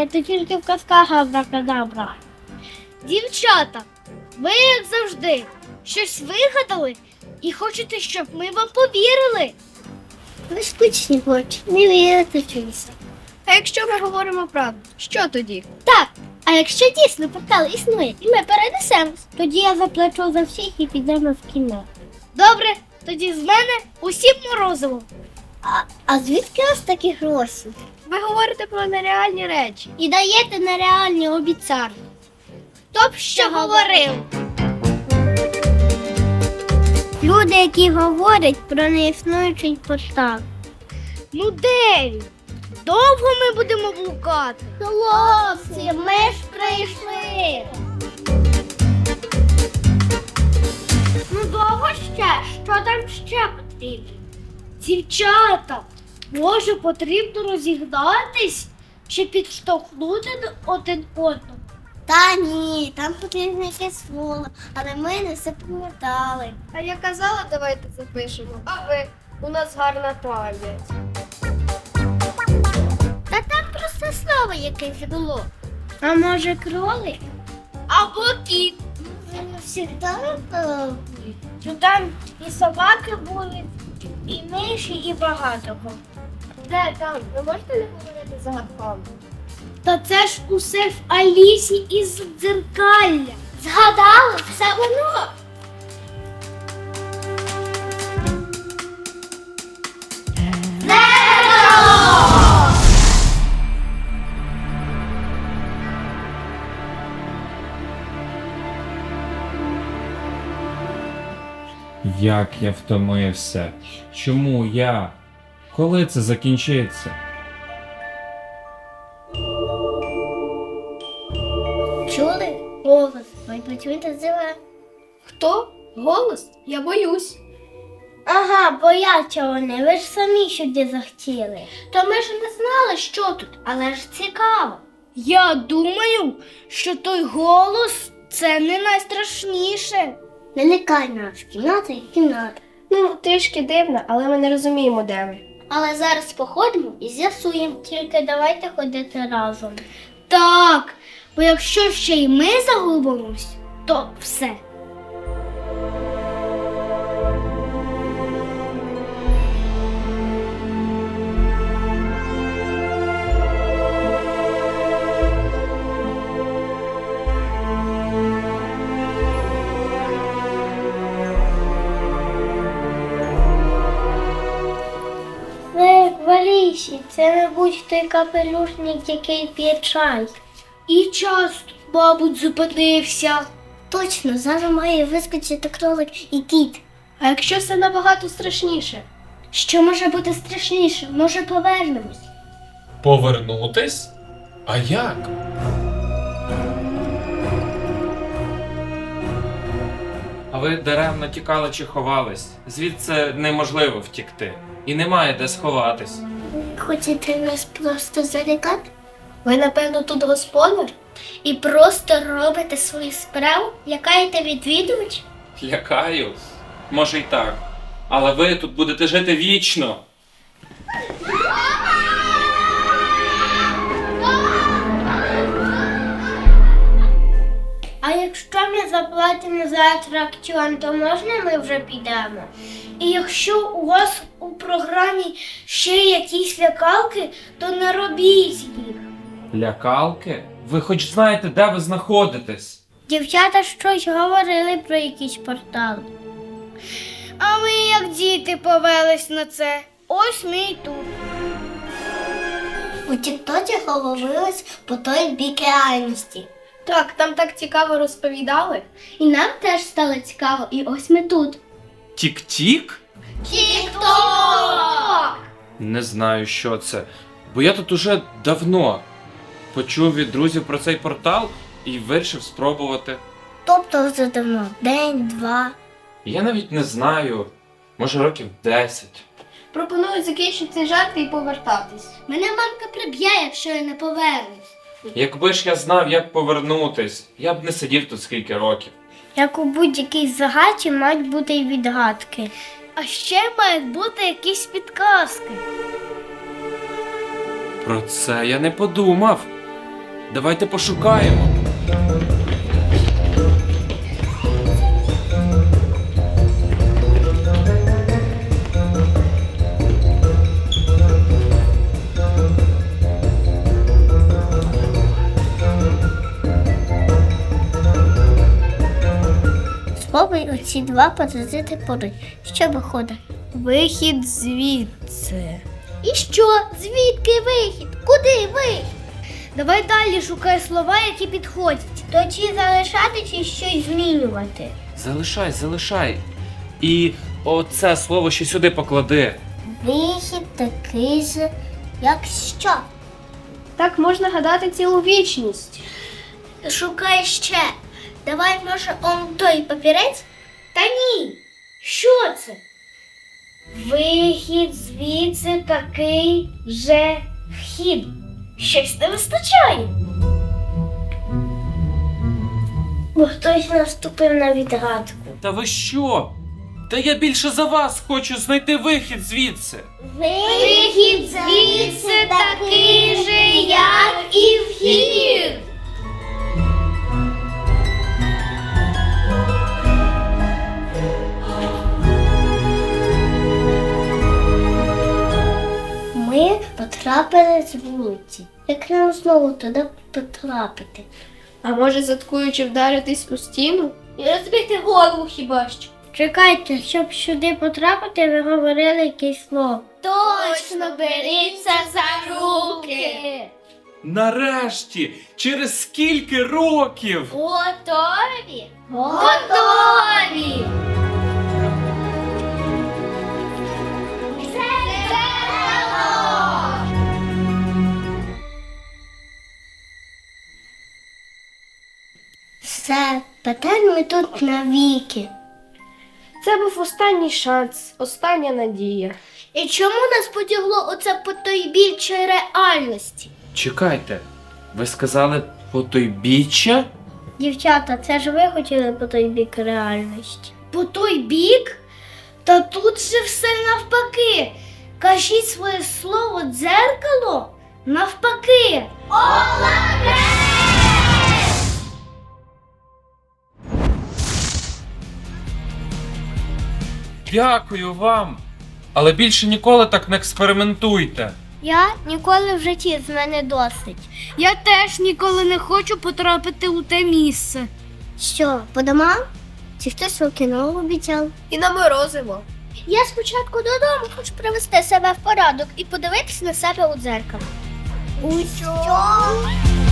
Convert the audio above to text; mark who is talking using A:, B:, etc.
A: це тільки в казках абракадабра. Дівчата, ви, як завжди, щось вигадали і хочете, щоб ми вам повірили. Ви скучні хочете, не вірите чомусь.
B: А якщо ми говоримо правду, що тоді?
A: Так, а якщо дійсно портал існує і ми перенесемось, тоді я заплачу за всіх і підемо в кіно. Добре, тоді з мене усім морозиво. А звідки у вас такі гроші?
B: Ви говорите про нереальні речі.
A: І даєте нереальні обіцянки. Хто б що говорив? Люди, які говорять про неіснуючий портал. Ну де він? Довго ми будемо блукати? Хлопці, ми ж прийшли. Ну довго ще? Що там ще потрібно? Дівчата, може потрібно розігнатись чи підштовхнути один одного? Та ні, там потрібно якесь слово, але ми не все пам'ятали.
B: А я казала, давайте запишемо. А ви? У нас гарна пам'ять.
A: Та там просто слово якесь було. А може кролик? Або кіт. Завжди. Там і собаки були, і миші, і багато кого.
B: Де там? Ви можете не говорити загадками?
A: Та це ж усе в Алісі із дзеркалля. Згадали? Все воно.
C: Як я втомився? Чому я? Коли це закінчиться?
A: Чули? Голос. Ви почуєте зеле.
B: Хто? Голос? Я боюсь.
A: Ага, бояться вони, ви ж самі сюди захотіли. То ми ж не знали, що тут, але ж цікаво. Я думаю, що той голос це не найстрашніше. Не лякай нас, кімната і кімната.
B: Ну, трішки дивно, але ми не розуміємо, де ми.
A: Але зараз походимо і з'ясуємо, тільки давайте ходити разом. Так, бо якщо ще й ми загубимось, то все. Валісі, це, мабуть, той капелюшник, який п'є чай. І часто, мабуть, зупинився. Точно, зараз має вискочити кролик і кіт.
B: А якщо все набагато страшніше?
A: Що може бути страшніше? Може, повернемось?
C: Повернутись? А як? А ви даремно тікали чи ховались? Звідси неможливо втікти. І немає де сховатись.
A: Хочете нас просто залякати?
B: Ви, напевно, тут господар?
A: І просто робите свою справу? Лякаєте відвідувач?
C: Лякаю? Може й так. Але ви тут будете жити вічно.
A: А якщо ми заплатимо за атракціон, то можна ми вже підемо? І якщо у вас у програмі ще якісь лякалки, то не робіть їх.
C: Лякалки? Ви хоч знаєте, де ви знаходитесь?
A: Дівчата щось говорили про якісь портали. А ми, як діти, повелись на це. Ось ми і тут. У тіктоці говорилось по той бік реальності.
B: Так, там так цікаво розповідали.
A: І нам теж стало цікаво, і ось ми тут.
C: Тік-тік?
A: Тік-ток!
C: Не знаю, що це. Бо я тут уже давно почув від друзів про цей портал і вирішив спробувати.
A: Тобто вже давно. День, два.
C: Я навіть не знаю. Може, років 10.
B: Пропоную закінчити жарти і повертатись.
A: Мене мамка приб'є, якщо я не повернусь.
C: Якби ж я знав, як повернутись, я б не сидів тут скільки років.
A: Як у будь-якій загадці мають бути й відгадки. А ще мають бути якісь підказки.
C: Про це я не подумав. Давайте пошукаємо.
A: Спробуй оці два позицити поруч. Що виходить?
B: Вихід звідси.
A: І що? Звідки вихід? Куди вихід? Давай далі шукай слова, які підходять. То чи залишати, чи щось змінювати?
C: Залишай. І оце слово ще сюди поклади.
A: Вихід такий же, як що?
B: Так можна гадати цілу вічність.
A: Шукай ще. Давай, може, он той папірець? Та ні. Що це? Вихід звідси такий же вхід. Щось не вистачає. Бо хтось наступив на відгадку.
C: Та ви що? Та я більше за вас хочу знайти вихід звідси.
A: Вихід звідси такий же, як і вхід. Ми потрапили з вулиці. Як нам знову туди потрапити?
B: А може, заткуючи вдаритись у стіну? І розбити голову хіба що?
A: Чекайте, щоб сюди потрапити, ви говорили якесь слово.
B: Точно, беріться за руки!
C: Нарешті! Через скільки років?
B: Готові?
A: Готові! Все, тепер ми тут навіки.
B: Це був останній шанс, остання надія.
A: І чому нас потягло оце потойбіччя реальності?
C: Чекайте, ви сказали потойбіччя?
A: Дівчата, це ж ви хотіли по той бік реальності. По той бік? Та тут же все навпаки. Кажіть своє слово дзеркало навпаки.
C: Дякую вам. Але більше ніколи так не експериментуйте.
A: Я ніколи в житті, з мене досить. Я теж ніколи не хочу потрапити у те місце. Що, по домам? Чи хтось у кіно обіцяв?
B: І на морозиво.
A: Я спочатку додому хочу привести себе в порядок і подивитись на себе у дзеркало. У що?